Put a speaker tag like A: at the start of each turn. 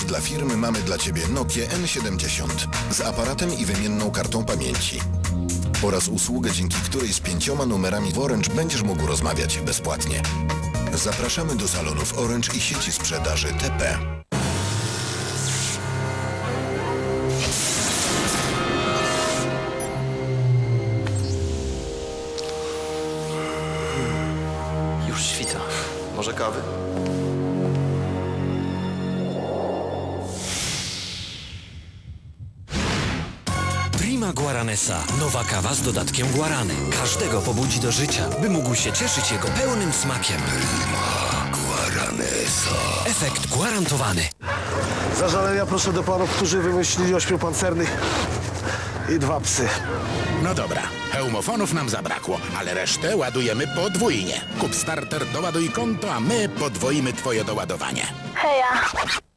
A: dla firmy mamy dla Ciebie Nokia N70 z aparatem i wymienną kartą pamięci. Oraz usługę, dzięki której z 5 numerami w Orange będziesz mógł rozmawiać bezpłatnie. Zapraszamy do salonów Orange i sieci sprzedaży TP.
B: Już świta. Może kawy?
C: Prima Guaranesa. Nowa kawa z dodatkiem guarany. Każdego pobudzi do życia, by mógł się cieszyć jego pełnym smakiem. Prima Guaranesa. Efekt gwarantowany.
D: Zażalenia proszę do panów, którzy wymyślili 8 pancernych i 2 psy.
E: No dobra, hełmofonów nam zabrakło, ale resztę ładujemy podwójnie. Kup starter, doładuj konto, a my podwoimy twoje doładowanie.
F: Heja.